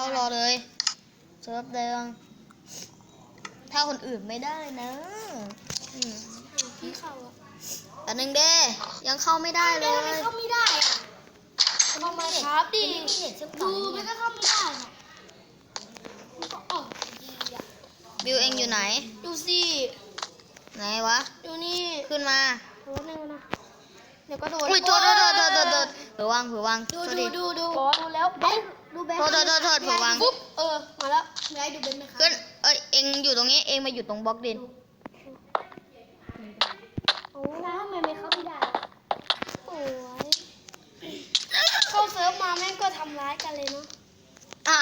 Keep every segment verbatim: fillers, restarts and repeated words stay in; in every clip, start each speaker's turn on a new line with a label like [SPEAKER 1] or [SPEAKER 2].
[SPEAKER 1] ารอเลยเซิร์ฟเดิมถ้าคนอื่นไม่ได้นะอืม
[SPEAKER 2] พี่เข้าอะ
[SPEAKER 1] แต่หนึ่งเด้ยังเข้าไม่ได้เลย
[SPEAKER 2] ทำไมเข้าไม่ได้อะเข้ามาครับดิ
[SPEAKER 1] ไม่เห็นเชื่อมต่
[SPEAKER 2] ดู
[SPEAKER 1] อ
[SPEAKER 2] มันก็เข้าไม่ได้อะมันก็ออกดีอะ
[SPEAKER 1] บิวเองอยู่ไหน
[SPEAKER 2] ดูสิ
[SPEAKER 1] ไหนวะ
[SPEAKER 2] ดูนี่
[SPEAKER 1] ขึ้นมา
[SPEAKER 2] โอ้นึงนะเดี๋ยวก็โดน
[SPEAKER 1] อุ้ยโทษโทษโทษโทษโทษโทษเผื่อวางเผื่อวาง
[SPEAKER 2] ดู
[SPEAKER 1] โทษ
[SPEAKER 2] ดู
[SPEAKER 1] ดิ
[SPEAKER 2] ดูดูดูแล้วเบนดูเบน
[SPEAKER 1] โทษโทษโทษโทษเผื่อวาง
[SPEAKER 2] ปุ๊บเออมาแล้วยายดูเบนไหมคะ
[SPEAKER 1] ขึ้นเอ้ยเองอยู่ตรงนี้เองมาอยู่ตรงบล็อกดิน
[SPEAKER 2] โอ้แล้วทำไมไม่เข้าไม่ได้โอ้ยเข้าเซิร์ฟมาแม่งก็ทำร้ายกันเลยเนาะ
[SPEAKER 1] อ่า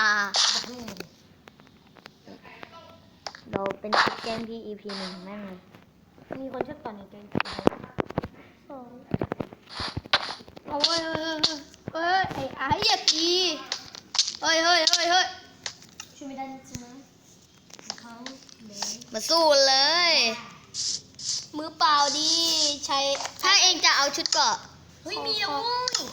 [SPEAKER 1] เราเป็นเกมที่ อี พี หนึ่งแม่งเลยมีคนชอบต่อในเกม
[SPEAKER 2] สองเอาเว้ยเฮ้ยเฮ้ยไอ้ไอ้อย่าตีเฮ้ยเฮ้ยเฮ้ยเฮ้ยช่วยไม่ได้จริงนะเขาเลย
[SPEAKER 1] มาสู้เลย
[SPEAKER 2] มือเปล่าดีใช้
[SPEAKER 1] ถ้าเองจะเอาชุดเกราะ
[SPEAKER 2] เฮ้ยมีแล้ว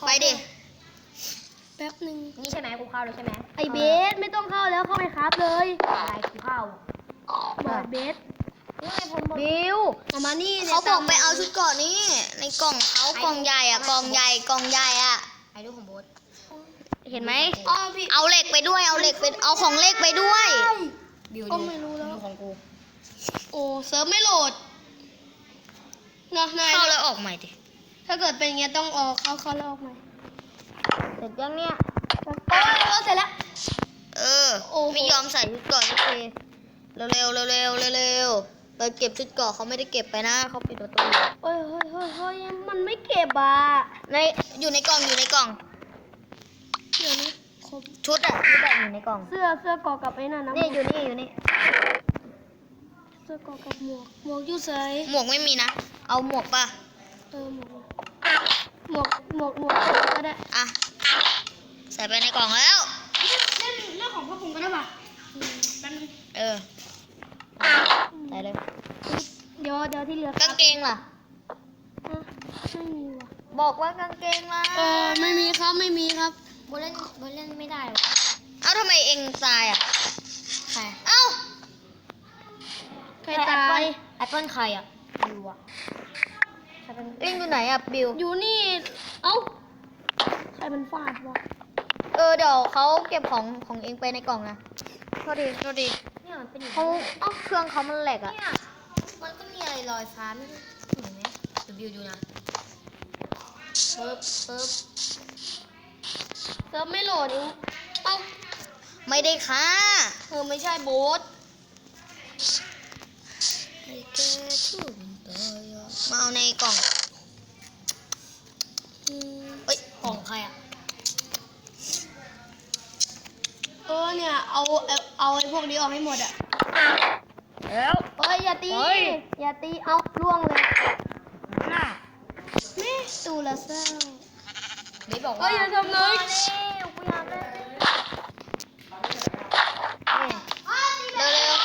[SPEAKER 1] ไปดิ
[SPEAKER 2] แป๊บหนึ่ง
[SPEAKER 1] นี่ใช่ไหมกูเข้าเลยใช่ไหม
[SPEAKER 2] ไอเบสไม่ต้องเข้าแล้วเข้าไปครับเลย
[SPEAKER 1] อะไรกูเข้า
[SPEAKER 2] บอกเบส
[SPEAKER 1] บิว
[SPEAKER 2] เอามานี่
[SPEAKER 1] เขาบอกไปเอาชุดเกราะนี่ในกล่องเขากล่องใหญ่อะกล่องใหญ่กล่องใหญ่อะ
[SPEAKER 3] ไอ้ลูกของโบ๊ท
[SPEAKER 1] เห็นไหม
[SPEAKER 2] อ๋อพี่
[SPEAKER 1] เอาเหล็กไปด้วยเอาเหล็กไปเอาของเหล็กไปด้วย
[SPEAKER 3] บิว
[SPEAKER 2] ก็
[SPEAKER 3] ดู
[SPEAKER 2] ไม่รู้แล้ว
[SPEAKER 3] ดูของกู
[SPEAKER 2] โอ้เซิร์ฟไม่โหลดเนาะนาย
[SPEAKER 1] เข้าแล้วออกใหม่ดิ
[SPEAKER 2] ถ้าเกิดเป็นอย่างเงี้ยต้องออกเข้าเข้าแล้วออกใหม่
[SPEAKER 1] เสร็จยังเนี่ย
[SPEAKER 2] โอ้ยเออเสร็จแล้ว
[SPEAKER 1] เออ
[SPEAKER 2] โอ้โห
[SPEAKER 1] ไม่ยอมใส่ชุดเกราะสักทีเร็วเร็วเร็วเร็วเร็วเราเก็บชุดเกราะเขาไม่ได้เก็บไปนะเขาปิดประตูอยู่
[SPEAKER 2] เฮ้ยเฮ้ยเฮ้ยเฮ้ยมันไม่เก็บอ่ะ
[SPEAKER 1] ในอยู่ในกล่องอยู่ในกล่อง
[SPEAKER 2] เดี๋ยวนี้ครบ
[SPEAKER 1] ชุดอะชุดอะอยู่ในกล่อง
[SPEAKER 2] เสื้อเสื้อกอกับไอ้นั่นนะ
[SPEAKER 1] นี่อยู่นี่อยู่นี่
[SPEAKER 2] เสื้อกอกับหมวกหมวกอยู่ใส่
[SPEAKER 1] หมวกไม่มีนะเอาหมวกป่ะ
[SPEAKER 2] เออหมวกหมวกหมวกหมวกก็ได้
[SPEAKER 1] อ่ะใส่ไปในกล่องแล้ว
[SPEAKER 2] เล่นเรื่องของพ่อผมก็ได้ป่ะแป๊บนึง
[SPEAKER 1] เออใส่เลย
[SPEAKER 2] เดี๋ยวเดี๋ยวที่เหลือก
[SPEAKER 1] างเกงล่ะ
[SPEAKER 2] อ่ะไม่มีว่ะ
[SPEAKER 1] บอกว่ากางเกงล่ะ
[SPEAKER 2] เออไม่มีครับไม่มีครับ
[SPEAKER 3] โบ๊ทเล่นโบ๊ทเล่นไม่ได้หรอ
[SPEAKER 1] เอ้าทำไมเองตายอ่ะ
[SPEAKER 3] ใคร
[SPEAKER 1] เอ้า
[SPEAKER 2] ใครตาย
[SPEAKER 3] แอปเปิ้ลใครอ่ะบิวอ่ะใครเป็น
[SPEAKER 1] เองอยู่ไหนอ่ะบิว
[SPEAKER 2] อยู่นี่ เอ้า ใครมันฟาดวะ
[SPEAKER 1] เออเดี๋ยวเขาเก็บของของเองไปในกล่องนะโทษดีโทษดี
[SPEAKER 3] เนี่ยมันเป็นอย่าง
[SPEAKER 1] เขา
[SPEAKER 3] นี้
[SPEAKER 1] เอ้าเครื่องเขามันแหลกอ่ะ
[SPEAKER 3] เนี่ยมันก็มีอะไรลอยฟ้าไม่รู้เห็นไหมเดี๋ยวบิวดูนะปึ๊บปึ๊บ
[SPEAKER 2] เซิร์ฟไม่โหลดอีกเอ้า
[SPEAKER 1] ไม่ได้ค่ะ
[SPEAKER 2] เธอไม่ใช่โบ๊ท
[SPEAKER 1] มาเอาในกล่อง
[SPEAKER 2] อืม
[SPEAKER 1] เอ้ย
[SPEAKER 3] ของใครอ่ะ
[SPEAKER 2] เออเนี่ย เอาเอาเอาไอ้พวกนี้ออกให้หมดอะ
[SPEAKER 1] แล้ว
[SPEAKER 2] เฮ้ยอย่าตี
[SPEAKER 1] เฮ้ย
[SPEAKER 2] อย่าตี เอาล่วงเลยแม่ตูละเศร้า
[SPEAKER 3] เบสบอก
[SPEAKER 2] เฮ้
[SPEAKER 3] ว่าย
[SPEAKER 2] อย่าทำเลย
[SPEAKER 3] กูอยากเล่น
[SPEAKER 1] เร็วเร็ว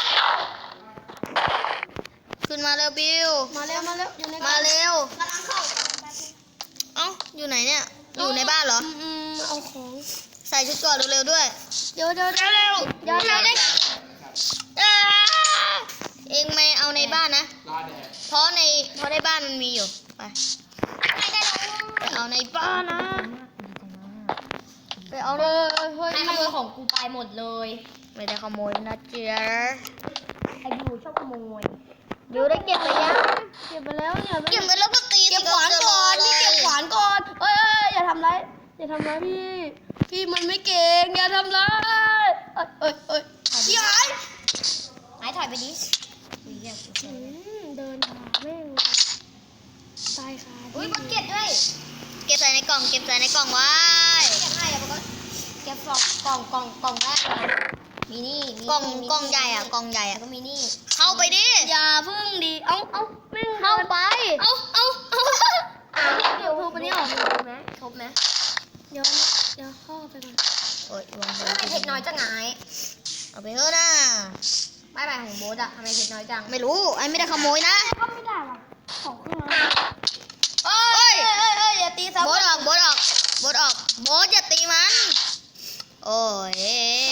[SPEAKER 1] ขึ้นมาเร็วบิว
[SPEAKER 2] มาเร็วมาเร็วอยู่ใน
[SPEAKER 1] มาเร็ว เอ้า อยู่ไหนเนี่ย อยู่ในบ้านเหรอ
[SPEAKER 2] อืมอืมเอาของ
[SPEAKER 1] ใส่ชุดเก่อนเร็วๆด้วย
[SPEAKER 2] เดี๋ยวเดี๋ยวเดี๋ยวเร็วเดี๋ยวเดี๋ยวเดี๋ยว
[SPEAKER 1] อ้าเองไม่เอาในบ้านนะ เพราะในเพราะในบ้านมันมีอยู่ ไปไปเอาในบ้านนะ ไปเอา
[SPEAKER 2] เอ
[SPEAKER 1] เลย
[SPEAKER 2] อเฮ้ย
[SPEAKER 3] ให้ขโมยของกูไปหมดเลย
[SPEAKER 1] ไม่ได้ขโมยนะเจ๊ะ
[SPEAKER 3] ไอ้บิวชอบขโมย
[SPEAKER 1] บิวได้เก็บไปยัง
[SPEAKER 2] เก็บไปแล้วเนี่ย
[SPEAKER 1] เก็บไปแล้วก็ตี
[SPEAKER 2] เก็บขวานก่อนพี่เก็บขวานก่อนเอ้ยเอ้ยอย่าทำร้ายอย่าทำร้ายพี่ พี่มันไม่เก่งอย่าทำร้ายเอ้ยเอ้ยเอ้ยพี่หาย
[SPEAKER 3] ไหนถ่ายไปดิอุ้ยเหี้ยกูเสี
[SPEAKER 2] อื
[SPEAKER 3] ย
[SPEAKER 2] มเดินหาแม่งตายค่ะ
[SPEAKER 3] อุ้ยบักเก็ตด้วย
[SPEAKER 1] เก็บใส่ในกล่อง เก็บใส่ในกล่องไว้
[SPEAKER 3] เก็บให้อะมันก็เก็บกล่องกล่องกล่องกล่องแรกเลยมีนี่มี
[SPEAKER 1] กล่อง
[SPEAKER 3] นี่มี
[SPEAKER 1] กล่องใหญ่อะกล่องใหญ่
[SPEAKER 3] แล้ว
[SPEAKER 1] อะ
[SPEAKER 3] ก็มีนี่
[SPEAKER 1] เข้าไปดิ
[SPEAKER 2] อย่าพึ่งดีเอ้าเอ้าแม่ง
[SPEAKER 1] เข้าไป
[SPEAKER 2] เอ้าเอ้าเอ้า
[SPEAKER 3] เดี๋ยวทุบไปนี่ออกทุบไหมทุบไหม
[SPEAKER 2] เดี๋ยวนะเดี๋ยวเข้าไปก่อน
[SPEAKER 1] โอ้ยลงไป
[SPEAKER 3] ทำไมเพชรน้อยจังไง
[SPEAKER 1] เอาไปเถอะนะ
[SPEAKER 3] ไม่ไปของโบ๊ทอะทำไมเพชรน้อยจัง
[SPEAKER 1] ไม่รู้ ไอ้ไม่ได้ขโมยนะ
[SPEAKER 2] เข้าไม่ได้ว่ะของเครื่อง
[SPEAKER 1] เอ้
[SPEAKER 2] เอ้
[SPEAKER 1] ย
[SPEAKER 2] ยเอ้ยเอ้ยอย่าตีซ้ำ
[SPEAKER 1] โบดออกโบดออกโบดออกโบดอย่าตีมัน โอ้ย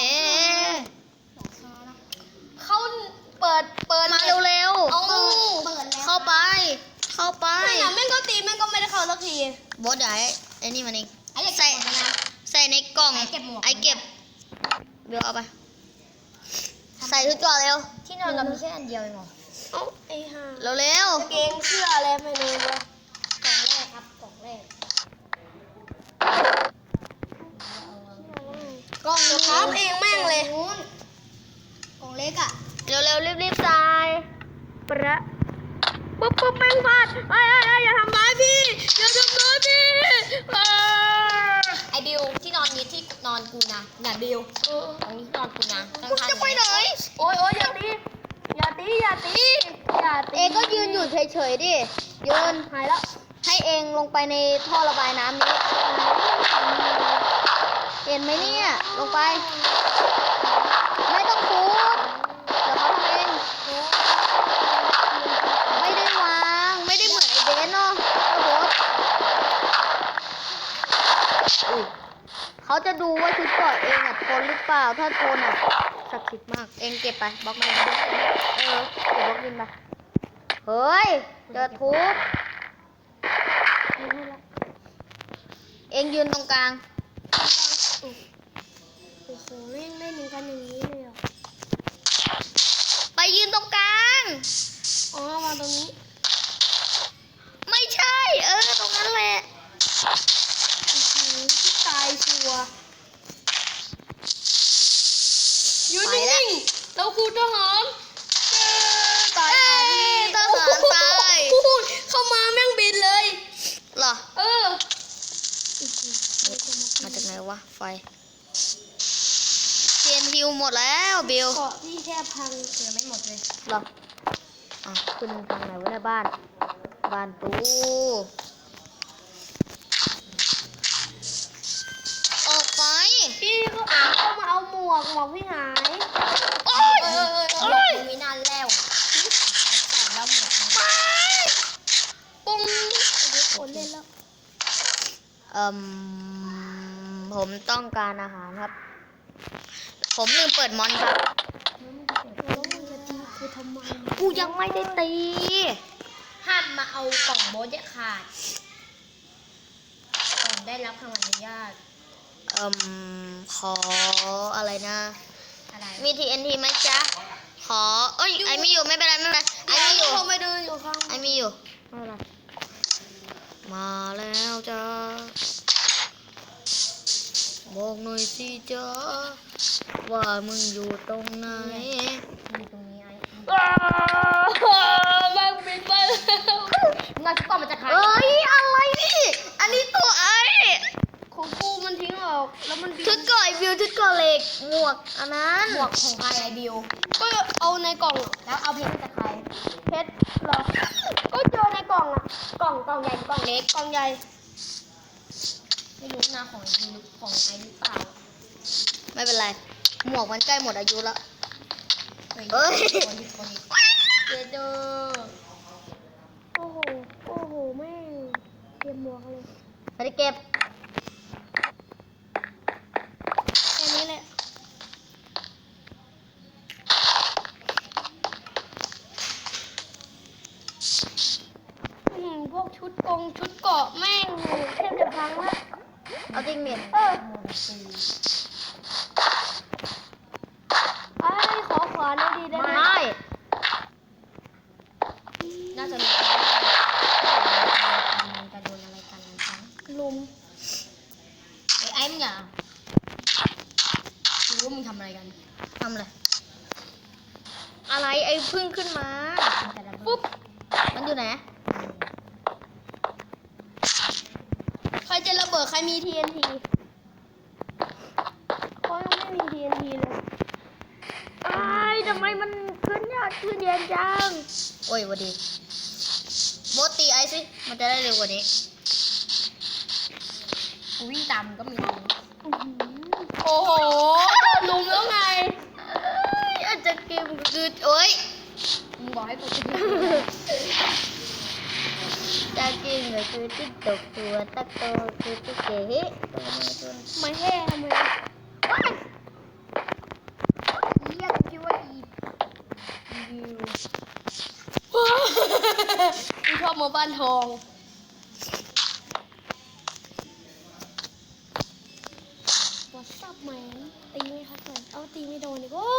[SPEAKER 1] บอสเดี๋ยวไอ้ไอ้นี่มันเอง
[SPEAKER 3] ไอ้อยาก
[SPEAKER 1] ใส่
[SPEAKER 3] ใส่นะ
[SPEAKER 1] ใส่ในกล่อง
[SPEAKER 3] ไอ้เก็บหมวก
[SPEAKER 1] ไอ้เก็บเบลเอาไป ใส่ชุดก่อนเร็ว
[SPEAKER 3] ที่นอนเรามีแค่อันเดียวเองเหรอ
[SPEAKER 2] เอ้าไอ้ห่า
[SPEAKER 1] เร็วเร็ว
[SPEAKER 2] กางเกงเสื้ออะไรไม่รู้วะ
[SPEAKER 3] กล่องแรกครับกล่องแรก
[SPEAKER 2] กล้องจะครับเองแม่งเลย
[SPEAKER 3] นู้นกล่องเล็กอ่ะ
[SPEAKER 1] เร็วเร็วรีบรีบใส่
[SPEAKER 2] ประปุ๊บปุ๊บแม่งพลาดไอ้ไอ้ไอ้อย่าทำร้ายพี่อย่าทำร้ายพี่เออ
[SPEAKER 3] ไอบิวที่นอนนี้ที่นอนกูนะน่ะบิว
[SPEAKER 2] เออ
[SPEAKER 3] ตรงนี้ที่นอนกูนะ
[SPEAKER 1] มึงจะไปไหน
[SPEAKER 2] โอ๊ยโอ๊ยอย่าตีอย่าตีอย่าตีอย่าตี
[SPEAKER 1] เองก็ยืนอยู่เฉยๆดิยืน
[SPEAKER 2] หายแล้ว
[SPEAKER 1] ให้เองลงไปในท่อระบายน้ำนี้ เห็นไหมเนี่ย ลงไป ไม่ต้องทุบเดี๋ยวเขาทำเอง ไม่ได้วาง ไม่ได้เหมือนไอ้เบนเนาะโอ้โหอุ๊ยเขาจะดูว่าชุดเกราะเองอ่ะทนหรือเปล่า ถ้าทนอ่ะศักดิ์สิทธิ์มาก เองเก็บไปบล็อกมินเออเก็บบล็อกมินไปเฮ้ยเจอทุบ เองยืนตรงกลาง
[SPEAKER 2] โอ้โหแม่งเล่นกันอย่างนี้เลยเหรอ
[SPEAKER 1] ไปยืนตรงกลาง
[SPEAKER 2] อ๋อมาตรงนี้
[SPEAKER 1] ไม่ใช่ เออ ตรงนั้นแหละ
[SPEAKER 2] อื้อหือที่ตายชัวร์ยืน
[SPEAKER 1] ไปแล้ว
[SPEAKER 2] นิ่งๆเราคือทหารเอ้ยตาย
[SPEAKER 1] เอ้
[SPEAKER 2] หาย
[SPEAKER 1] ทหารตาย
[SPEAKER 2] โอ้โหเข้ามาแม่งบินเลย
[SPEAKER 1] เหรอ
[SPEAKER 2] เออ
[SPEAKER 1] มาจากไหนวะ ไฟเทียนฮิวหมดแล้วบิล
[SPEAKER 2] เกาะที่แค่พัง
[SPEAKER 3] ยังไม่หมดเลย
[SPEAKER 1] เหรออ่ะขึ้นทางไหนวะในยบ้าน บ้านตูออกไป
[SPEAKER 2] พี่เขาอ่านเข้ามาเอาหมวกหมวกพี่หาย
[SPEAKER 1] โอ้ย
[SPEAKER 2] เออเออเอ
[SPEAKER 1] โอ้
[SPEAKER 2] อย
[SPEAKER 3] มึงมีนานแล้วใส่แล้วหมด
[SPEAKER 1] ไป
[SPEAKER 2] ปุ้งเดี๋ยวคนเล่นแล้ว
[SPEAKER 1] เอ่มผมต้องการอาหารครับ ผมลืมเปิดมอนครับ
[SPEAKER 2] แล้วมึงจะตีกูทำไม
[SPEAKER 1] กูยังไม่ได้ตี
[SPEAKER 3] ห้ามมาเอากล่องโบสเด็ดขาดกล่องได้รับคำอนุญาต
[SPEAKER 1] เอ่มขออะไรนะ
[SPEAKER 3] อะไร
[SPEAKER 1] มี ที เอ็น ที ไหมจ๊ะ ขอ เอ้ย ไอมีอยู่ไม่เป็นไรไม่เป็นไรไอมีอยู่
[SPEAKER 2] เขาไม่เดินอยู่ข้าง
[SPEAKER 1] ไอมีอยู่ไม่เป็นไรมาแล้วจ้าบอกหน่อยสิจ้าว่ามึงอยู่ตรงไหน
[SPEAKER 3] มีตรงนี้ไอ้
[SPEAKER 2] อ้าวแม่งบินไปแล้ว
[SPEAKER 3] งานชุดก่อนมันจะขาย
[SPEAKER 1] เอ้ย อะไรนี่ อันนี้ตัวไอ
[SPEAKER 2] ของกูมันทิ้งออกแล้วมันบิน
[SPEAKER 1] ชุดก่อไอวิวชุดก่อเหล็ก หมวก อันนั้น
[SPEAKER 3] หมวกของใครไอบิว
[SPEAKER 2] ก็เอาในกล่องอะ
[SPEAKER 3] แล้วเอาเพชรจากใคร
[SPEAKER 2] เพชรเหรอก็เจอในกล่องอะ
[SPEAKER 3] กล่องกล่องใหญ่หรือกล่องเล็ก
[SPEAKER 2] กล่องใหญ่
[SPEAKER 3] ไม่รู้นะของไอหรือของไอหรือเปล่า
[SPEAKER 1] ไม่เป็นไร หมวกมันใกล้หมดอายุแล้ว
[SPEAKER 3] เฮ้ย
[SPEAKER 1] เอ้ย
[SPEAKER 3] คนอีกคนอีกเจเดอ
[SPEAKER 2] โอ้โหโอ้โหแม่งเตรียมหมวกเลย
[SPEAKER 1] ไปเก็บ
[SPEAKER 2] แค่นี้แหละอืมพวกชุดกงชุดเกราะแม่งแทบจะพังละ
[SPEAKER 1] เอาจริงเนี่ย
[SPEAKER 2] เออไอ้ยขอขวานได้ดีได้ไหม
[SPEAKER 1] ไม่
[SPEAKER 3] น่าจะมีมันจะโดนอะไรกันนะครับ
[SPEAKER 2] ลุม
[SPEAKER 3] ไอ้ไอ้มึงอย่ารู้ว่ามึงทำอะไรกัน
[SPEAKER 1] ทำเลย อะไรไอ้พึ่งขึ้นมา
[SPEAKER 2] ปุ๊บ
[SPEAKER 1] มันอยู่ไหน
[SPEAKER 2] ใครจะระเบิดใครมี ที เอ็น ที เขายังไม่มี ที เอ็น ที เลย
[SPEAKER 1] ไอ้ายทำไมมันขึ้นยากขึ้นเย็นจัง โอ้ยหวัดดีโบทตีไอซิ มันจะได้เร็วกว่านี้
[SPEAKER 3] กูวิ่งตามมึงก็มีรู้
[SPEAKER 2] โอ้โหโดนลุมแล้วไง
[SPEAKER 1] เอ้ยอาจจะกิมก็คือโอ้ย
[SPEAKER 3] มึงบอกให้กูจะ
[SPEAKER 1] จะกินก็คือติ๊กตกตัวตักโตคือติ๊กเก๋ตัวมือตัว
[SPEAKER 2] ไม่แห่ทำไม
[SPEAKER 3] เรียกคิดว่าอีวิว
[SPEAKER 2] กูชอบหมาบ้านทองบไหมตีไหมครับก่อนเอาตีไม่โดนอีกโอ้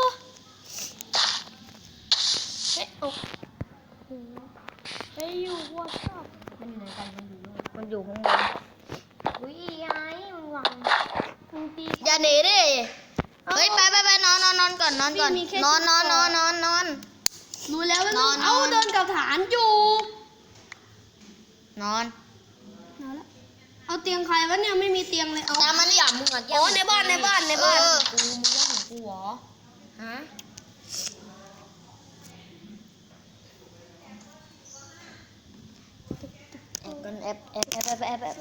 [SPEAKER 2] เฮ้ยเอาโอ้โหเฮ้ยอยู่วอทซับ
[SPEAKER 3] มันอยู่ไหนกันมันอยู่นู่น
[SPEAKER 1] มันอยู่ข้างบน
[SPEAKER 3] อุ้ยไอ้มึงวาง
[SPEAKER 2] มึงตี
[SPEAKER 1] อย่าหนีดิเฮ้ยไปไปไปนอนนอนนอนก่อนนอนก่อนนอนนอนนอนนอนนอน
[SPEAKER 2] รู้แล้วว่าน
[SPEAKER 1] อน
[SPEAKER 2] เอา
[SPEAKER 1] นอน
[SPEAKER 2] เดินกับฐานอยู่
[SPEAKER 1] นอน
[SPEAKER 2] เอาละเอาเตียงใครวะเนี่ยไม่มีเตียงเลยเอา
[SPEAKER 1] ตามมัน
[SPEAKER 3] อย่ามึงอ่ะ
[SPEAKER 2] โอ้ในบ้านในบ้านในบ้าน
[SPEAKER 1] เออ
[SPEAKER 3] กูมึงว่าของกูเหรอฮะ
[SPEAKER 1] กันแอบแอบแอบแอบแอบแอบ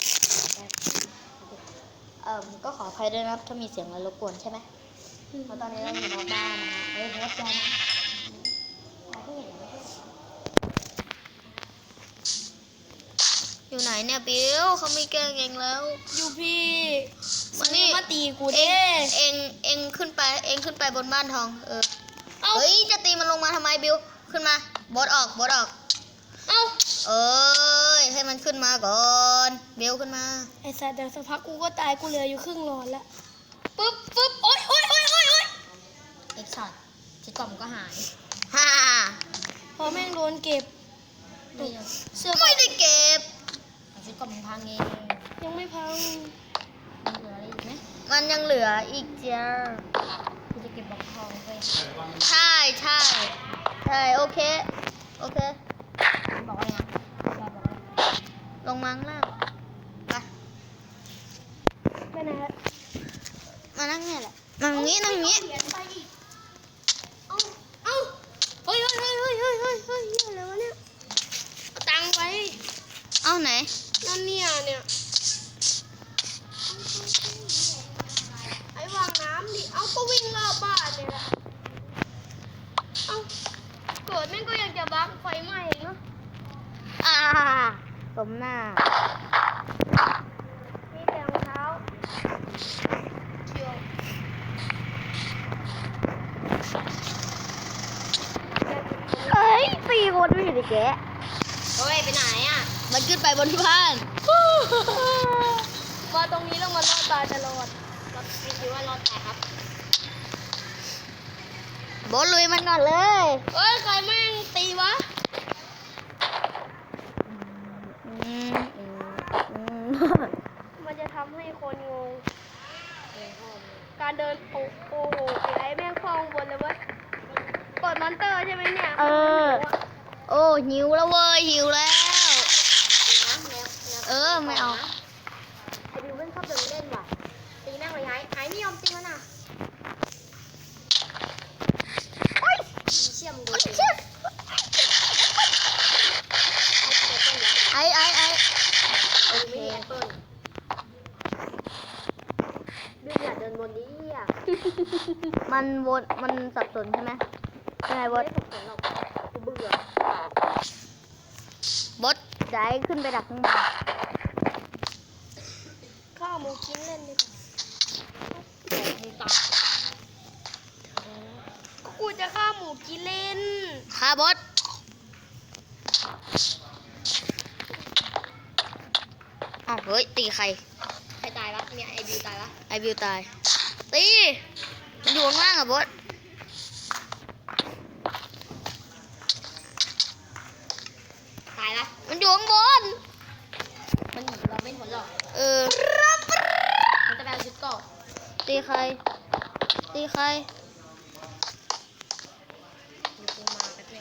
[SPEAKER 1] เอ่อก็ขออภัยด้วยนะครับถ้ามีเสียงอะไรรบกวนใช่ไหมเพราะตอนนี้เราอยู่นอกบ้านนะเอ้ยรถยนต์อยู่ไหนเนี่ยบิวเขาไม่แกล้งเองแล้ว
[SPEAKER 2] อยู่พี่
[SPEAKER 1] มานี่
[SPEAKER 2] มาตีกู
[SPEAKER 1] เอ
[SPEAKER 2] เด้
[SPEAKER 1] งเองเองขึ้นไปเองขึ้นไปบนบ้านทองเออ
[SPEAKER 2] เอา
[SPEAKER 1] เฮ้ยจะตีมันลงมาทำไมบิวขึ้นมาบดออกบดออก
[SPEAKER 2] เอา
[SPEAKER 1] เอ้ยให้มันขึ้นมาก่อนบิวขึ้นมา
[SPEAKER 2] ไอ้สัตว์เดี๋ยวสักพักกูก็ตายกูเหลืออยู่ครึ่งหลอดละปึ๊บปึ๊บโอ๊ยโอ๊ยโอ๊ยโอ๊ยโอ๊ย
[SPEAKER 3] เอ็กซ์ช็อตชิดกล่อมก็หาย
[SPEAKER 1] ฮ่า
[SPEAKER 2] พอแม่งโดนเก็บ
[SPEAKER 3] ไม่ยัง
[SPEAKER 2] เสื้อ
[SPEAKER 1] ไม่ได้เก็บ
[SPEAKER 3] ชิดกล่อมมึงพังเอง
[SPEAKER 2] ยังไม่พัง
[SPEAKER 3] มึงเหลืออะไรอีกไหม
[SPEAKER 1] มันยังเหลืออีกเจ้า
[SPEAKER 3] กูจะเก็บบล็อกทองไป
[SPEAKER 1] ใช่ใช่ใช่โอเคโอเค
[SPEAKER 3] บอกว่าไงบอกว่า
[SPEAKER 1] ลงมาข้างล่างไป
[SPEAKER 2] ไปไหนฮะ
[SPEAKER 1] มานั่งเนี่ยแหละนั่งงี้นั่งงี้
[SPEAKER 2] เอาเอาเฮ้ยเฮ้ยเฮ้ยเฮ้ยเฮ้ยเฮ้ยเฮ้ยเหี้ยอะไรวะเนี่ยเอาตังค์ไป
[SPEAKER 1] เอาไหน
[SPEAKER 2] นั่นเนี่ยเนี่ยไอ้วางน้ำดิเอาก็วิ่งรอบบ้านเนี่ยแหละเอาเกิดแม่งก็ยังจะบักไฟไหม้อีกเนาะ
[SPEAKER 1] อ่าสมหน้า
[SPEAKER 2] มีแต่รองเท้าเชียว
[SPEAKER 1] เอ้ยสี่คนไม่อยู่ในแกะ
[SPEAKER 3] เฮ้ยไปไหนอ่ะ
[SPEAKER 1] มันขึ้นไปบนบ้าน
[SPEAKER 2] มาตรงนี้แล้วมันรอดตายตลอด
[SPEAKER 3] เราคิดว่ารอดตายครับ
[SPEAKER 1] บอสลุยมันก่อนเลย
[SPEAKER 2] เอ้ยใครแม่งตีวะ
[SPEAKER 1] อืมอืมอืม
[SPEAKER 2] มันจะทำให้คนงง การเดินโอ้โอ้โหไอ้แม่งคลองบนเลยเว้ยกดมอนเตอร์ใช่ไหมเนี่ย
[SPEAKER 1] เออ โอ้หิวแล้วเว้ยหิวแล้ว เออไม่เอา
[SPEAKER 3] ไอ้บิวเล่นชอบเดินเล่นว่ะตีแม่งเลยไอ้ไอ้ไม่ยอมตีมันอ่ะเชี่ยมงดูสิ
[SPEAKER 1] ไอ้ไอ้ไอ้
[SPEAKER 3] โอเคแอปเปิ้ลบิวอย่าเดินบนนี้อ่ะ
[SPEAKER 1] มันวนมันสับสนใช่ไหมใช่บอส
[SPEAKER 3] ไม่ถูกสนหรอกกูเบื่อบ
[SPEAKER 1] อสจะให้ขึ้นไปดักข้างบน
[SPEAKER 2] ข้าวหมูกินเล่นดีกว่า
[SPEAKER 3] มึงตา
[SPEAKER 2] กูจะข้าวหมูกินเล่น
[SPEAKER 1] ฆ่าบอสอ้าวเฮ้ยตีใคร
[SPEAKER 3] ใครตายวะเนี่ยไอ้บิวตายวะ
[SPEAKER 1] ไอบิวตาย ตี มันอยู่ข้างล่างอะบอส
[SPEAKER 3] ตายละ
[SPEAKER 1] มันอยู่ข้างบน
[SPEAKER 3] มันเหมือนเราไม่ผลหรอก
[SPEAKER 1] เออ
[SPEAKER 3] มันจะไปเอาชุดเกาะ
[SPEAKER 1] ตีใคร ตีใคร
[SPEAKER 3] มีกูมาแป๊บนึง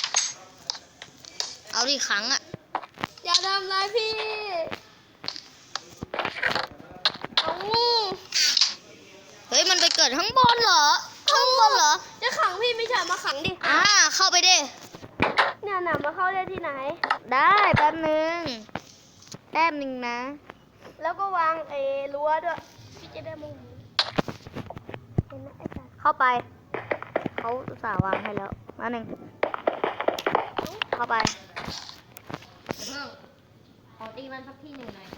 [SPEAKER 1] เอาดิขังอะ
[SPEAKER 2] อย่าทำร้ายพี่เอา
[SPEAKER 1] เฮ้ยมันไปเกิดข้างบนเหรอ ข้างบนเหรอ
[SPEAKER 2] จะขังพี่ไม่ใช่มาขังดิ
[SPEAKER 1] อ่า เข้าไปดิ
[SPEAKER 2] เนี่ยหนามาเข้าได้ที่ไหน
[SPEAKER 1] ได้แป๊บนึง แป๊บนึงนะ
[SPEAKER 2] แล้วก็วางไอ้รั้วด้วยพี่จะได้มองเห็นไหมไอ้สัตว์
[SPEAKER 1] เข้าไป เขาอุตส่าห์วางให้แล้วมาหนึ่ง เข้าไป
[SPEAKER 3] เดี๋ยวเพิ่งขอตีมันสักที่หนึ่งหน่อย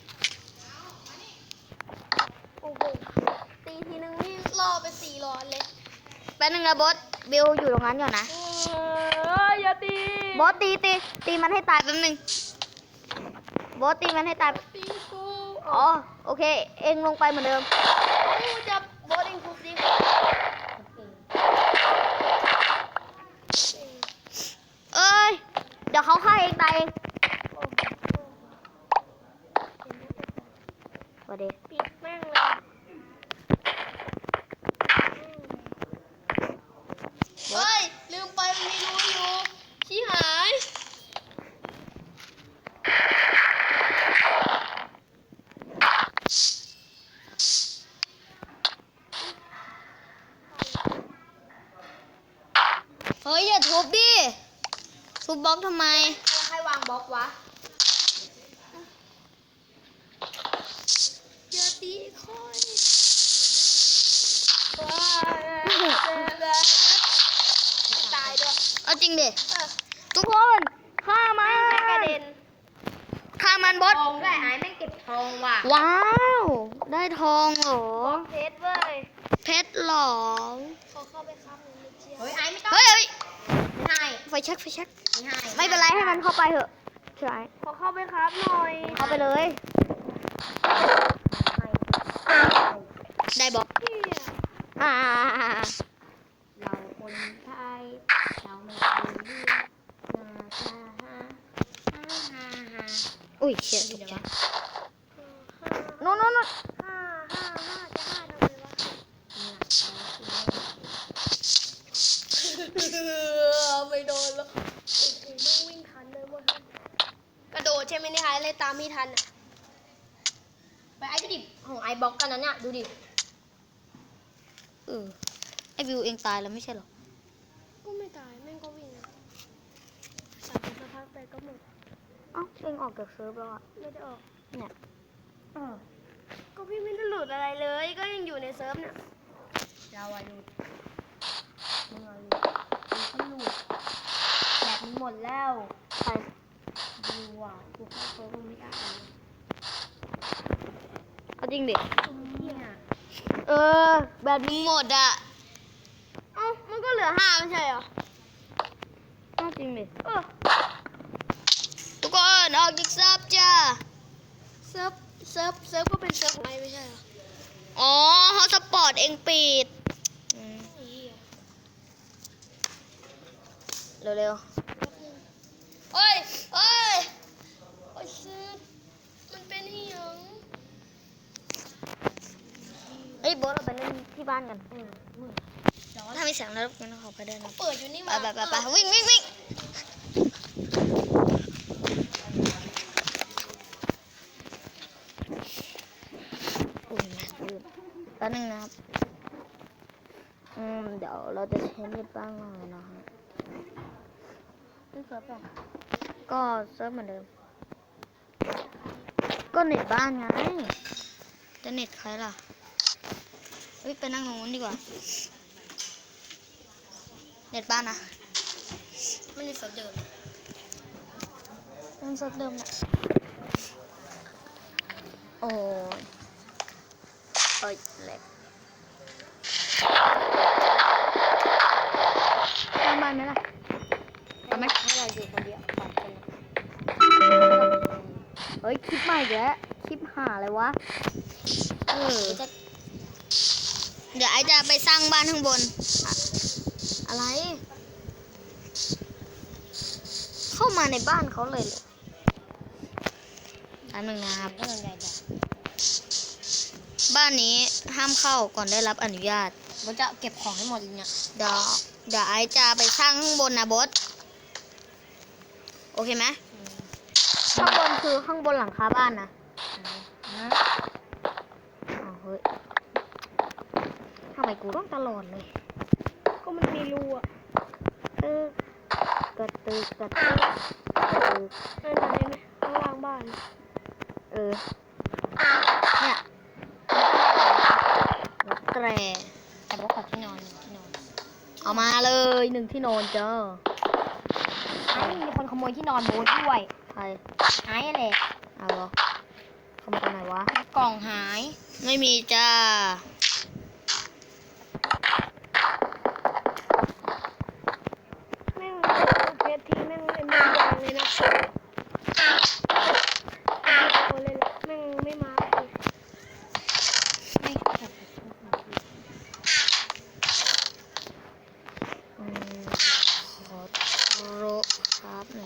[SPEAKER 2] โอ้โหตีทีนึงนี่รอไปสี่ร้อนเลย
[SPEAKER 1] แป๊บนึงนะบอสบิวอยู่ตรงนั้นก่อนนะ
[SPEAKER 2] เอ้ยอย่าตี
[SPEAKER 1] บอสตีตีตีมันให้ตายแป๊บนึง บอสตีมันให้ตาย
[SPEAKER 2] ตีกู
[SPEAKER 1] อ๋อ โอเค เองลงไปเหมือนเดิม
[SPEAKER 2] โอ้
[SPEAKER 1] เฮ้ยอย่าทุบดิทุบบล็อกทำไม
[SPEAKER 3] ใครวางบล็อกวะ
[SPEAKER 2] อย่าตีค่อยตายด้วย
[SPEAKER 1] เอาจริงดิ
[SPEAKER 2] เออ
[SPEAKER 1] ทุกคนฆ่ามัน
[SPEAKER 2] กระเด็น
[SPEAKER 1] ฆ่ามันบอส
[SPEAKER 3] ทองได้ไอ้แม่งเก็บทองว่ะ
[SPEAKER 1] ว้าว ได้ทองเหรอ
[SPEAKER 2] เพชรเว้ย
[SPEAKER 1] เพชรเหรอ
[SPEAKER 2] เขาเข้าไปค้ำในเชีย
[SPEAKER 3] เฮ้ยไอ้ไม่ต้อง
[SPEAKER 1] เฮ้ยเฮ้ย
[SPEAKER 3] ไม่ให้
[SPEAKER 1] ไฟแช็กไฟแช็ก
[SPEAKER 3] ไม่ให้
[SPEAKER 1] ไม่เป็นไรให้มันเข้าไปเถอะใช่
[SPEAKER 2] เขาเข้าไปครับหน่อย
[SPEAKER 1] เข้าไปเลย ได้บล็อก
[SPEAKER 2] เหี้ย
[SPEAKER 1] อ่า
[SPEAKER 3] เราคนไทยเราไม่เคยเลือกนาซาฮาฮาฮาฮา
[SPEAKER 1] อุ้ยเชี่ยตกใจโน่นโน่นโน่น
[SPEAKER 2] ห้าห้าห้าจะห้าทำไมวะ ไม่โดนแล้วโอ้โหไม่วิ่งทันเลยเว้ยกระโดดใช่ไหมนี่คะเลยตามไม่ทันอ่ะ
[SPEAKER 3] ไปไอ้ก็ดิบของไอ้บล็อกกันนั้นเนี่ยดูดิ
[SPEAKER 1] เออไอวิวเองตายแล้วไม่ใช่เหรอ
[SPEAKER 2] ก็ไม่ตายแม่งก็วิ่งอะสามสักพักไปก็หมด
[SPEAKER 1] เอ้าเองออกจากเซิร์ฟแล้วอ่ะ
[SPEAKER 2] ไม่ได้ออก
[SPEAKER 1] เนี่ย
[SPEAKER 2] เออก็พี่ไม่ได้หลุดอะไรเลย ก็ยังอยู่ในเซิร์ฟเนี่ย
[SPEAKER 3] เราอะหลุดมึงอะหลุดกูก็หลุดแบบนี้หมดแล้ว
[SPEAKER 1] ใคร
[SPEAKER 3] ดูอ่ะกูเข้าเฟิร์มไม่ได้เลย
[SPEAKER 1] เอาจริงดิ
[SPEAKER 3] เนี่ย
[SPEAKER 1] เออ แบบมึงหมดอ่ะ
[SPEAKER 2] เอ้ามันก็เหลือห้าไม่ใช่เหรอ
[SPEAKER 1] เอาจริงดิ
[SPEAKER 2] เออ
[SPEAKER 1] ทุกคนออกจากเซิร์ฟจ้า
[SPEAKER 2] เซิร์ฟเซิร์ฟเซิร์ฟก็เป็นเซิร์ฟของไอไม่ใช่เหรอ
[SPEAKER 1] อ๋อฮอตสปอร์ตเองปิดอืม
[SPEAKER 2] ไอ้เหี้ย
[SPEAKER 1] เร็ว
[SPEAKER 2] โอ้ยโอ้ยโอ้ยเซิร์ฟมันเป็นที่ยัง
[SPEAKER 1] ๆเฮ้ยโบอสเราไปเล่นที่บ้านกัน
[SPEAKER 3] อืมอืม
[SPEAKER 1] ถ้ามีเสียงแล้วงั้นขอไปเดินนะ
[SPEAKER 2] เปิดอยู่นี่
[SPEAKER 1] ไป
[SPEAKER 2] มา
[SPEAKER 1] ไปไปไปวิ่งวิ่งวิ่งอุ้ยมาลืมแป๊บนึงนะครับ อืม เดี๋ยวเราจะใช้เน็ตบ้างหน่อยนะฮะ
[SPEAKER 2] เป็นเซิร์ฟเหรอ
[SPEAKER 1] ก็เซิร์ฟเหมือนเดิม ก็เน็ตบ้านไง จะเน็ตใครล่ะ เฮ้ย ไปนั่งตรงนู้นดีกว่า เน็ตบ้านนะ
[SPEAKER 2] ไม่ได้เซิร์ฟเดิม
[SPEAKER 1] เป็นเซิร์ฟเดิมแหละโอ้ยเอ้ยแหลกทำบ้านไหมล่ะทำไหม
[SPEAKER 3] ให้เราอยู่คนเดียวสองคนนะ
[SPEAKER 1] เฮ้ย คลิปใหม่อีกแล้วคลิปหาอะไรวะ เออ
[SPEAKER 3] จะ
[SPEAKER 1] เดี๋ยวไอจะไปสร้างบ้านข้างบนอะอะไร เข้ามาในบ้านเขาเลยเหรออันหนึ่งนะครับ
[SPEAKER 3] ก็ยังไงแบบ
[SPEAKER 1] บ้านนี้ห้ามเข้าก่อนได้รับอนุญาต
[SPEAKER 3] มันจะเก็บของให้หมดเลยเนี่ย
[SPEAKER 1] เดี๋ยวเดี๋ยวไอจะไปสร้างข้างบนนะบอสโอเคไหมข้างบนคือข้างบนหลังคาบ้านนะ
[SPEAKER 3] นะ
[SPEAKER 1] อ้าวเฮ้ยทำไมกูต้องตลอดเลย
[SPEAKER 2] ก็มันมีรูอ่ะ
[SPEAKER 1] ตึกกระตึกกระตึกกระตึก
[SPEAKER 2] นั่นอะไรไหมข้างล่างบ้าน
[SPEAKER 1] เออเนี่ยรถแตร
[SPEAKER 3] แต่ว่าขอที่นอนที่นอน
[SPEAKER 1] เอามาเลยหนึ่งที่นอนเจ้า
[SPEAKER 3] ไอ้มีคนขโมยที่นอนโบ๊ทด้วย
[SPEAKER 1] ใคร
[SPEAKER 3] ไอ้แหละ
[SPEAKER 1] เอาเหรอขโมยตรงไหนวะ
[SPEAKER 3] กล่องหาย
[SPEAKER 1] ไม่มีจ้า
[SPEAKER 2] แม่งเพชรทีแม่งเล่นไม่ได้เลยนะเอาเลยละแม่งไม่มาเลย
[SPEAKER 3] ไม่เก็บ
[SPEAKER 1] อืมขอโรครับหน่อย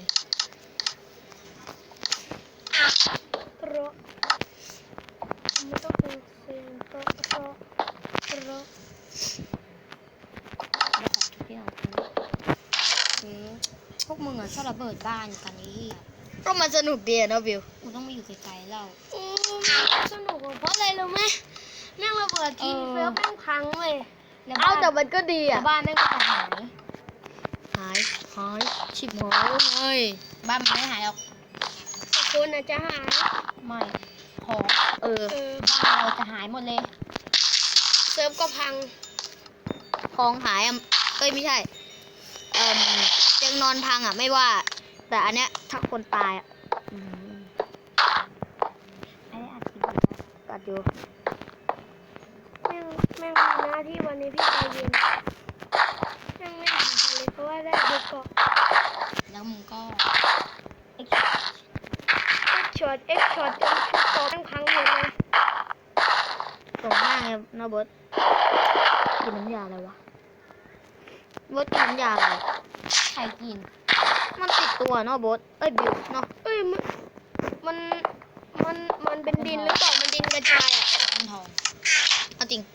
[SPEAKER 2] เพราะมันต้องเป็นเสียงเพราะเพราะเพราะ
[SPEAKER 3] เดี๋ยวขอทุกที่นอนอืมพวกมึงอะชอบระเบิดบ้านกันไอ้เหี้ย
[SPEAKER 1] ก็มันสนุกดีอะเนาะบิว
[SPEAKER 3] กูต้องมาอยู่ไกลๆแล้ว
[SPEAKER 2] อืมสนุกอะเพราะอะไรรู้ไหมแม่งระเบิดที
[SPEAKER 3] เออ
[SPEAKER 2] เซิร์ฟแม่งพังเลย
[SPEAKER 3] แล้ว
[SPEAKER 1] เอา
[SPEAKER 3] บ้าน
[SPEAKER 1] แต่มันก็ดี
[SPEAKER 3] แต่
[SPEAKER 1] อ่ะ
[SPEAKER 3] บ้านแม่งก็จะหาย
[SPEAKER 1] หายหายชิบหายแล้วไง
[SPEAKER 3] บ้านมันไม่หายหรอก
[SPEAKER 2] แต่คนอาจจะหาย
[SPEAKER 3] ไม่ของ
[SPEAKER 1] เออ
[SPEAKER 2] เออ
[SPEAKER 3] บ้านเราจะหายหมดเลย
[SPEAKER 2] เซิร์ฟก็พัง
[SPEAKER 1] ของหายอ่ะเอ้ยไม่ใช่เอ่มเตียงนอนพังอ่ะไม่ว่า แต่อันเนี้ยถ้าคนตายอ่ะ
[SPEAKER 3] อืมไอ้อัดคลิป
[SPEAKER 1] กัดอยู่
[SPEAKER 2] แม่งแม่งมีหน้าที่วันนี้พี่ใจเย็นแม่งไม่หายเลยเพราะว่าได้บุกเกาะ
[SPEAKER 3] แล้วมึงก็เอ็ก
[SPEAKER 2] เอ็กช็อตเอ็กช็อตจนชุดเกาะแม่งพังหมดเลย
[SPEAKER 1] ตรงหน้าไงนะเบิร์ตกินน้ำยาอะไรวะเบิร์ตกินน้ำยาอะไร
[SPEAKER 3] ใครกิน
[SPEAKER 1] มันติดตัวเนาะเบิร์ตเอ้ยบิวเนาะ
[SPEAKER 2] เอ้ยมันมันมันมันเป็นดินหรือเปล่ามันดินกระจายอ่ะ
[SPEAKER 3] มันทอง
[SPEAKER 1] เอาจริง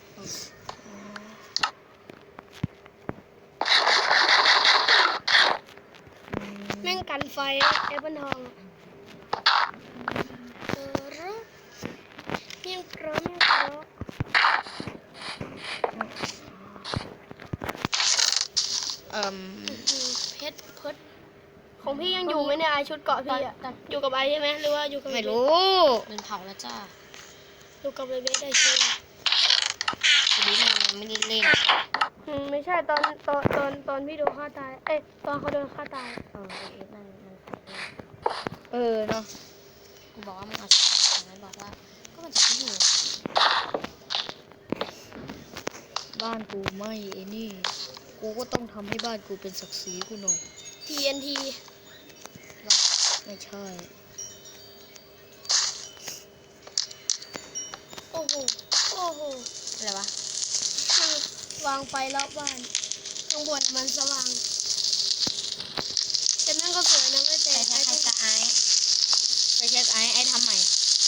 [SPEAKER 2] แม่งกันไฟแอปเปิลทองอะเออรึเมี่ยงเพราะเมี่ยงเพราะ
[SPEAKER 1] เอ่ม
[SPEAKER 2] อืมเพชรเพชรของพี่ยังอยู่ไหมเนี่ยไอชุดเกาะพี่อ่ะอยู่กับไอใช่ไหมหรือว่าอยู่กับ
[SPEAKER 1] ไม่
[SPEAKER 2] เบส
[SPEAKER 1] รู้
[SPEAKER 3] เป็นเผาแล้วจ้า
[SPEAKER 2] อยู่กับเบสไอเชื่อ
[SPEAKER 3] ทีนี้มันไม่ได้เล่น
[SPEAKER 2] อืมไม่ใช่ตอนตอนตอนตอนพี่โดนฆ่าตายเอ้ยตอนเขาโดนฆ่าตาย
[SPEAKER 3] เออไอเอสมันมันเผาเอง
[SPEAKER 1] เออเนาะ
[SPEAKER 3] กูบอกว่ามึงเอาชุดของมันบอกว่าก็มันจะไม่อยู่
[SPEAKER 1] บ้านกูไม่ไอ้นี่กูก็ต้องทำให้บ้านกูเป็นศักดิ์ศรีกูหน่อย
[SPEAKER 2] ทีเอ็นที
[SPEAKER 1] ไม่ใช่
[SPEAKER 2] โอ้โหโอ้โห
[SPEAKER 3] อะไรวะ
[SPEAKER 2] คือวางไฟรอบบ้านข้างบนมันสว่างแต่นั่นก็สวยนะไม่แต่
[SPEAKER 3] ใคร
[SPEAKER 2] ไอ
[SPEAKER 3] ใคร
[SPEAKER 2] ต้อง
[SPEAKER 3] จะไอ
[SPEAKER 1] ไปเช็คไอ้ไอ้ทำใหม่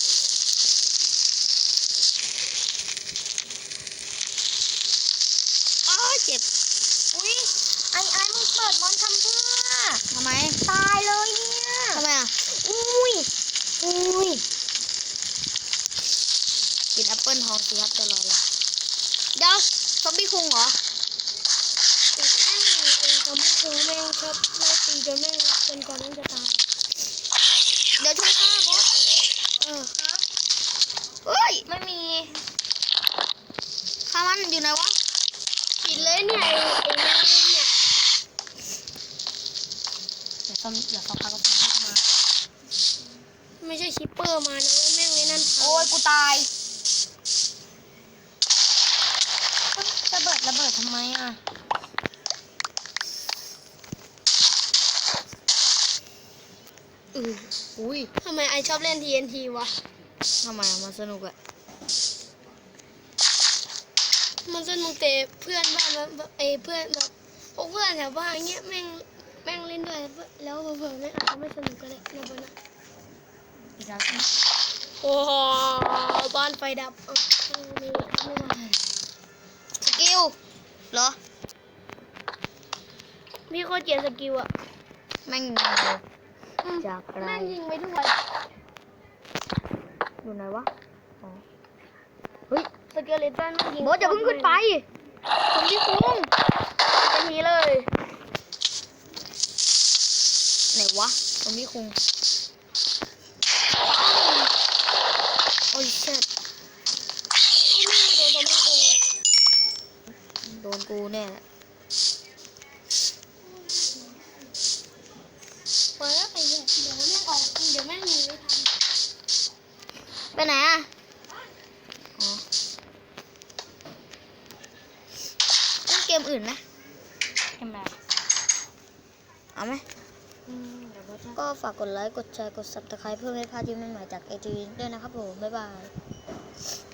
[SPEAKER 1] อ้าวเจ็บ
[SPEAKER 3] อุ้ยไอไอมึงเปิดมอนทำเพื่อ
[SPEAKER 1] ทำไม
[SPEAKER 3] ตายเลยเนี่ย
[SPEAKER 1] ทำไมอ่ะ
[SPEAKER 3] อุ้ยอุ้ย
[SPEAKER 1] กินแอปเปิลทองสิครับจะรออะไรเดี๋ยวซอมบี้คุงเหรอ
[SPEAKER 2] ติดแม่งเลยไอ้ทำให้ครูแม่งชอบไล่ตีจนแม่งจนก่อนแม่งจะตาย
[SPEAKER 1] เดี๋ยวช่วยฆ่าบอส
[SPEAKER 2] เออ
[SPEAKER 1] เฮ้ย
[SPEAKER 3] ไม่มี
[SPEAKER 1] ฆ่ามันอยู่ไหนวะ
[SPEAKER 2] ปิดเลยเนี่ยไอ้ไอ้แม่งเล่นเนี่ย
[SPEAKER 3] เดี๋ยวซ่อมเดี๋ยวซ่อมพักก็ซ่อมเข้ามา
[SPEAKER 2] ไม่ใช่ชิปเปอร์มานะเว้ยแม่งเลยนั่น
[SPEAKER 3] โอ้ยกูตายระเบิดระเบิดทำไมอ่ะ
[SPEAKER 1] อืออุ้ย
[SPEAKER 2] ทำไมไอชอบเล่น ที เอ็น ที วะ
[SPEAKER 1] ทำไมอะมันสนุกอะ
[SPEAKER 2] มันสนุกแต่เพื่อนบ้านแบบไอ้เพื่อนแบบพวกเพื่อนแถวบ้านเงี้ยแม่งแม่งเล่นด้วยแล้วเผื่อๆแม่งอาจจะไม่สนุกก็ได้นะบนนะ
[SPEAKER 3] อีกแล้วใช่ไหม
[SPEAKER 2] โอ้โหบ้านไฟดับเอาไม่ไม่ไหว
[SPEAKER 1] สกิลเหรอ
[SPEAKER 2] พี่โคตรเกลียดสกิลอะ
[SPEAKER 1] แม่งยิงเลยจากอะไร
[SPEAKER 2] แม่งยิงไปทุกวัน
[SPEAKER 1] อยู่ไหนวะอ๋อเฮ้ย
[SPEAKER 2] สเกเลตันแม่งยิง
[SPEAKER 1] บอสอย่าเพิ่งขึ้นไปซอมบี้คุง
[SPEAKER 2] เป็นนี้เลย
[SPEAKER 1] ไหนวะซอมบี้คุงโอ้ยเช็ด
[SPEAKER 2] ไม่โดนผมไม่โดน
[SPEAKER 1] โดนกูแน่
[SPEAKER 2] ปล่อยแล้วไปเถอะเดี๋ยวแม่งออกเดี๋ยวแม่งหนีไม่ทัน
[SPEAKER 1] ไปไหนอะอ๋อเล่นเกมอื่นไหม
[SPEAKER 3] เห็นไหม
[SPEAKER 1] เอาไหม
[SPEAKER 3] อืมเดี๋ยวก็จะ
[SPEAKER 1] ก็ฝากกดไลค์ กดแชร์ กด ซับสไครบ์ เพื่อไม่พลาดคลิปใหม่ๆจาก เอ จี ด้วยนะครับผม บ๊ายบาย